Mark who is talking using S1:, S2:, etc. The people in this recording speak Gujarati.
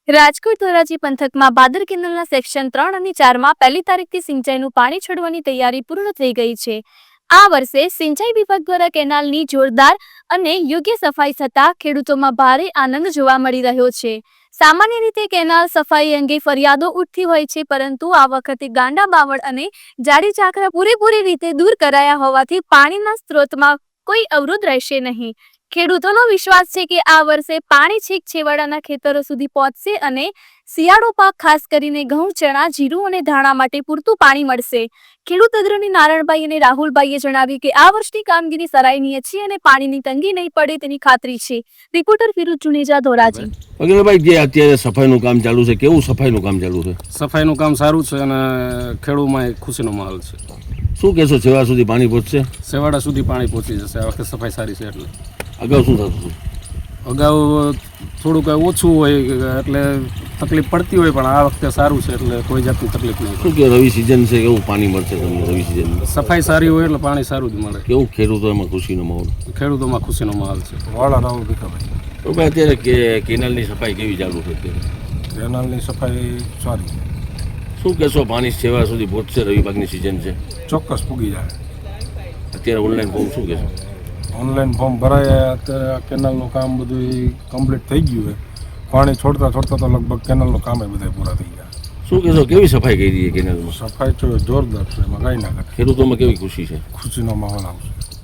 S1: રાજકોટ ધોરાજી પંથકમાં બાદર કેનાલના સેક્શન 3 અને 4માં 1લી તારીખથી સિંચાઈનું પાણી છોડવાની તૈયારી પૂર્ણ થઈ ગઈ છે। આ વર્ષે સિંચાઈ વિભાગ દ્વારા કેનાલની જોરદાર અને યોગ્ય સફાઈ થતાં ખેડૂતોમાં ભારે આનંદ જોવા મળી રહ્યો છે। સામાન્ય રીતે કેનાલ સફાઈ અંગે ફરિયાદો ઉઠતી હોય છે, પરંતુ આ વખતે ગાંડા બાવળ અને જાડી ચાકરા પૂરેપૂરી રીતે દૂર કરાયા હોવાથી પાણીના સ્ત્રોતમાં કોઈ અવરોધ રહેશે નહીં। ખેડૂતોનો વિશ્વાસ છે કે આ વર્ષે પાણી છેક છેવાડાના ખેતરો સુધી પહોંચશે અને શિયાળો પાક ખાસ કરીને ઘઉં, ચણા, જીરું અને ધાણા માટે પૂરતું પાણી મળશે। ખેડૂત અગ્રણી નારાયણભાઈ અને રાહુલભાઈએ જણાવ્યું કે આ વર્ષની કામગીરી સરાહનીય છે અને પાણીની તંગી નહીં પડે તેની ખાતરી છે। રિપોર્ટર ફિરોઝ જુનેજા, ધોરાજી।
S2: અગ્રભાઈ, જે અત્યારે સફાઈનું કામ ચાલુ છે, કેવું સફાઈનું કામ ચાલુ છે?
S3: સફાઈનું કામ સારું છે અને ખેડૂતમાં ખુશીનો માહોલ છે।
S2: શું કહેશો, છેવાડા સુધી પાણી પહોંચશે?
S3: છેવાડા સુધી પાણી પહોંચી જશે। આ વખતે સફાઈ સારી છે એટલે
S2: અગાઉ શું થતું હતું?
S3: અગાઉ થોડુંક ઓછું હોય એટલે તકલીફ પડતી હોય, પણ આ વખતે સારું છે એટલે કોઈ જાતની તકલીફ નહીં।
S2: શું કે રવિ સિઝન છે, કેવું પાણી મળશે તમને રવિ સિઝનમાં?
S3: સફાઈ સારી હોય એટલે પાણી સારું જ મળે।
S2: કેવું ખેડૂતોમાં ખુશીનો માહોલ?
S3: ખેડૂતોમાં ખુશીનો માહોલ છે।
S4: વાળા રાહુલ ભીખાભાઈ।
S2: તો ભાઈ, અત્યારે કેનાલની સફાઈ કેવી ચાલુ છે? અત્યારે
S4: કેનાલની સફાઈ સારી છે।
S2: શું કહેશો, પાણી છેવાડા સુધી પહોંચશે? રવિ પાકની સિઝન છે,
S4: ચોક્કસ પૂગી જાય।
S2: અત્યારે ઓનલાઈન ફોર્મ શું કહેશો?
S4: ઓનલાઈન ફોર્મ ભરાય, અત્યારે આ કેનાલનું કામ બધું કમ્પ્લીટ થઈ ગયું છે। પાણી છોડતા છોડતા તો લગભગ કેનાલનું કામ બધા પૂરા થઈ ગયા।
S2: શું કહેશો, કેવી સફાઈ કરી છે કેનાલમાં?
S4: સફાઈ તો જોરદાર છે, એમાં કાંઈ ના કરે।
S2: ખેડૂતોમાં કેવી ખુશી છે?
S4: ખુશીનો માહોલ આવશે।